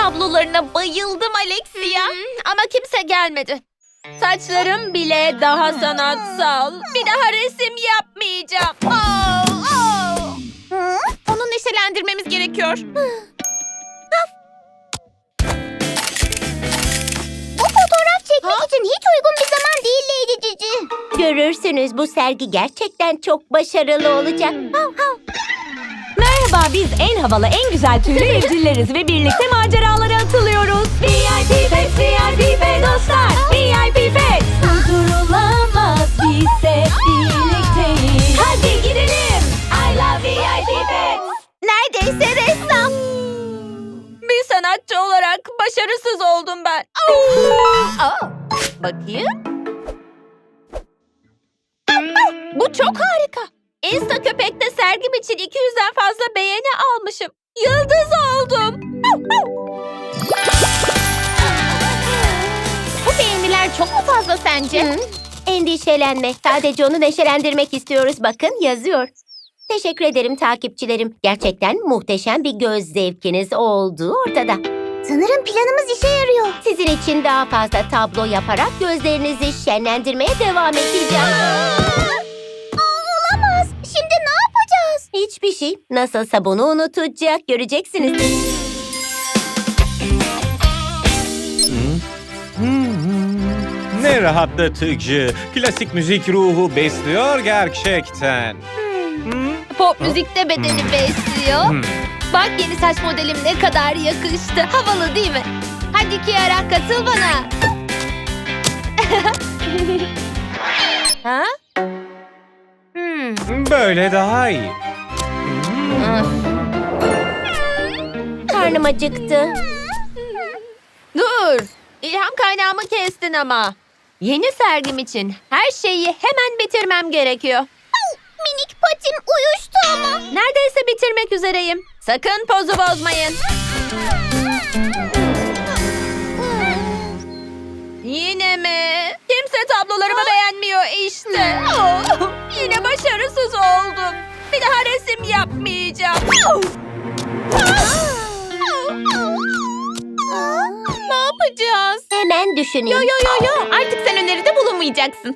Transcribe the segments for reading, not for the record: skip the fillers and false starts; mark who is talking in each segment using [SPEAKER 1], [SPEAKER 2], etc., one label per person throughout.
[SPEAKER 1] tablolarına bayıldım Alexia.
[SPEAKER 2] Ama kimse gelmedi. Saçlarım bile daha sanatsal. Bir daha resim yapmayacağım.
[SPEAKER 1] Onu neşelendirmemiz gerekiyor.
[SPEAKER 3] Bu fotoğraf çekmek için hiç uygun bir zaman değil Lady Cici.
[SPEAKER 4] Görürsünüz, bu sergi gerçekten çok başarılı olacak.
[SPEAKER 5] Merhaba, biz en havalı, en güzel tüylü evcilleriz ve birlikte maceralara atılıyoruz. VIP Pets, VIP Pet dostlar, VIP Pets. Durdurulamaz, biz hep birlikteyiz. Hadi gidelim. I love VIP Pets.
[SPEAKER 3] Neredeyse ressam.
[SPEAKER 2] Bir sanatçı olarak başarısız oldum ben.
[SPEAKER 1] Bakayım. Bu çok harika.
[SPEAKER 2] Insta Köpek'te sergim için 200'den fazla beğeni almışım. Yıldız oldum.
[SPEAKER 1] Bu beğeniler çok mu fazla sence?
[SPEAKER 4] Endişelenme, sadece onu neşelendirmek istiyoruz. Bakın, yazıyor. Teşekkür ederim takipçilerim. Gerçekten muhteşem bir göz zevkiniz olduğu ortada.
[SPEAKER 3] Sanırım planımız işe yarıyor.
[SPEAKER 4] Sizin için daha fazla tablo yaparak gözlerinizi şenlendirmeye devam edeceğim.
[SPEAKER 3] Olamaz. Şimdi ne yapacağız?
[SPEAKER 4] Hiçbir şey. Nasılsa bunu unutacak, göreceksiniz.
[SPEAKER 6] Ne rahatlatıcı. Klasik müzik ruhu besliyor gerçekten.
[SPEAKER 2] Pop müzikte bedeni besliyor. Bak yeni saç modelim ne kadar yakıştı. Havalı değil mi? Hadi Kiara katıl bana.
[SPEAKER 1] Ha?
[SPEAKER 6] Böyle daha iyi.
[SPEAKER 4] Karnım acıktı.
[SPEAKER 2] Dur. İlham kaynağımı kestin ama. Yeni sergim için her şeyi hemen bitirmem gerekiyor.
[SPEAKER 3] Minik patim uyuştu ama.
[SPEAKER 2] Neredeyse bitirmek üzereyim. Sakın pozu bozmayın. Yine mi? Kimse tablolarımı beğenmiyor işte. Yine başarısız oldum. Bir daha resim yapmayacağım.
[SPEAKER 1] Ne yapacağız?
[SPEAKER 4] Hemen düşüneyim.
[SPEAKER 1] Yo. Artık sen öneride bulunmayacaksın.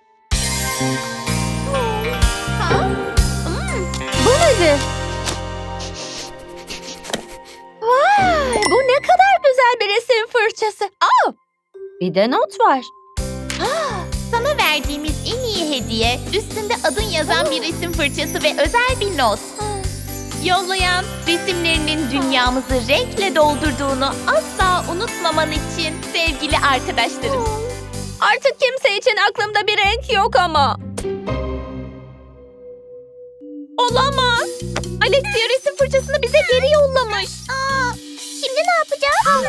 [SPEAKER 2] Bu nedir? Vay, bu ne kadar güzel bir resim fırçası. Bir de not var.
[SPEAKER 1] Sana verdiğimiz en iyi hediye üstünde adın yazan bir resim fırçası ve özel bir not. Yollayan resimlerinin dünyamızı renkle doldurduğunu asla unutmaman için sevgili arkadaşlarım.
[SPEAKER 2] Artık kimse için aklımda bir renk yok ama.
[SPEAKER 1] Olamaz. Alexia resim fırçasını bize geri yollamış.
[SPEAKER 3] Şimdi ne yapacağız?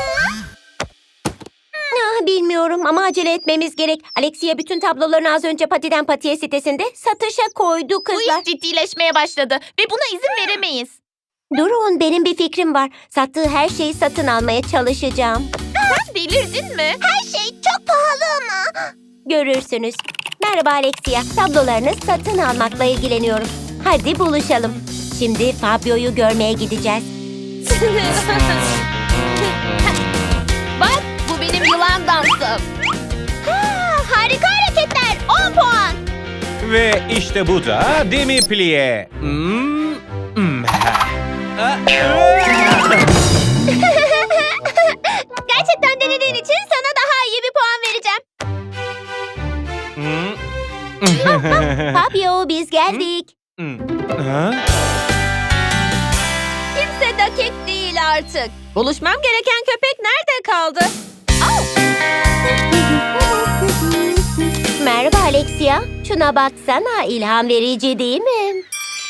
[SPEAKER 4] Bilmiyorum ama acele etmemiz gerek. Alexia bütün tablolarını az önce Patiden Patiye sitesinde satışa koydu
[SPEAKER 1] Bu
[SPEAKER 4] kızlar.
[SPEAKER 1] iş ciddileşmeye başladı ve buna izin veremeyiz.
[SPEAKER 4] Durun, benim bir fikrim var. Sattığı her şeyi satın almaya çalışacağım.
[SPEAKER 1] Sen delirdin mi?
[SPEAKER 3] Her şey çok pahalı ama.
[SPEAKER 4] Görürsünüz. Merhaba Alexia. Tablolarını satın almakla ilgileniyorum. Hadi buluşalım. Şimdi Fabio'yu görmeye gideceğiz.
[SPEAKER 2] Bak bu benim yılan dansım.
[SPEAKER 3] Harika hareketler. 10 puan.
[SPEAKER 6] Ve işte bu da demi plié.
[SPEAKER 3] Gerçekten denediğin için sana daha iyi bir puan vereceğim.
[SPEAKER 4] Fabio, biz geldik.
[SPEAKER 2] Kimse dakik değil artık. Buluşmam gereken köpek nerede kaldı?
[SPEAKER 4] Merhaba Alexia. Şuna baksana, ilham verici değil mi?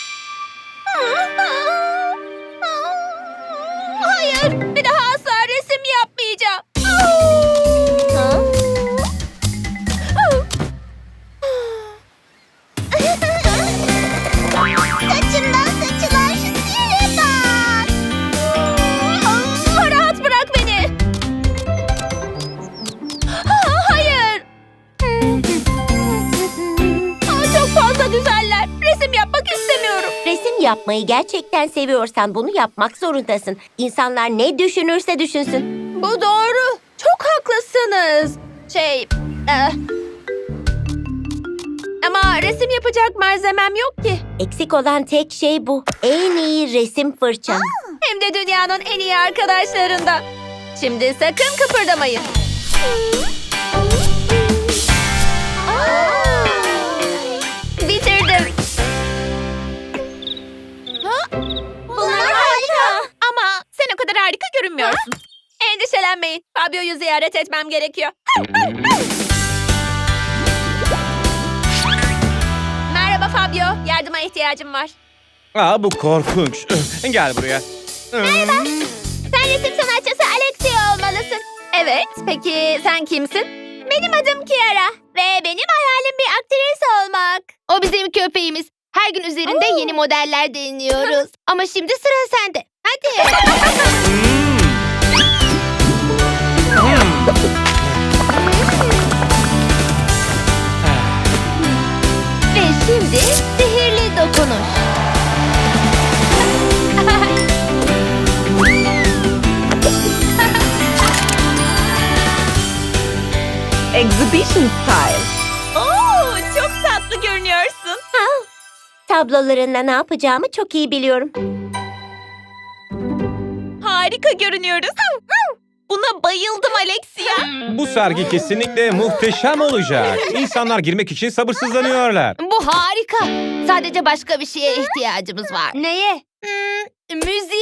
[SPEAKER 2] Hayır, bir daha asla resim yapmayacağım.
[SPEAKER 4] Ha?
[SPEAKER 3] Saçımdan saçılan şu sihre bak.
[SPEAKER 2] Rahat bırak beni. Hayır. Çok fazla güzeller. Resim yapmak istemiyorum.
[SPEAKER 4] Resim yapmak yapmayı gerçekten seviyorsan bunu yapmak zorundasın. İnsanlar ne düşünürse düşünsün.
[SPEAKER 2] Bu doğru. Çok haklısınız. Ama resim yapacak malzemem yok ki.
[SPEAKER 4] Eksik olan tek şey bu. En iyi resim fırçam.
[SPEAKER 2] Hem de dünyanın en iyi arkadaşlarından. Şimdi sakın kıpırdamayın. Bitirdim.
[SPEAKER 1] Bunlar harika. Ama sen o kadar harika görünmüyorsun.
[SPEAKER 2] Endişelenmeyin. Fabio'yu ziyaret etmem gerekiyor. Merhaba Fabio. Yardıma ihtiyacım var.
[SPEAKER 6] Aa, bu korkunç. Gel buraya.
[SPEAKER 3] Sen resim sanatçısı Alexia olmalısın.
[SPEAKER 2] Evet. Peki sen kimsin?
[SPEAKER 3] Benim adım Kiara ve benim hayalim bir aktris olmak.
[SPEAKER 2] O bizim köpeğimiz. Her gün üzerinde yeni modeller deniyoruz. Ama şimdi sıra sende. Hadi. Ve şimdi sihirli dokunuş.
[SPEAKER 5] Exhibition style.
[SPEAKER 1] Oo, çok tatlı görünüyorsun.
[SPEAKER 4] Tablolarınla ne yapacağımı çok iyi biliyorum.
[SPEAKER 1] Harika görünüyoruz. Buna bayıldım Alexia.
[SPEAKER 6] Bu sergi kesinlikle muhteşem olacak. İnsanlar girmek için sabırsızlanıyorlar.
[SPEAKER 2] Bu harika. Sadece başka bir şeye ihtiyacımız var.
[SPEAKER 1] Neye?
[SPEAKER 2] Müziğe.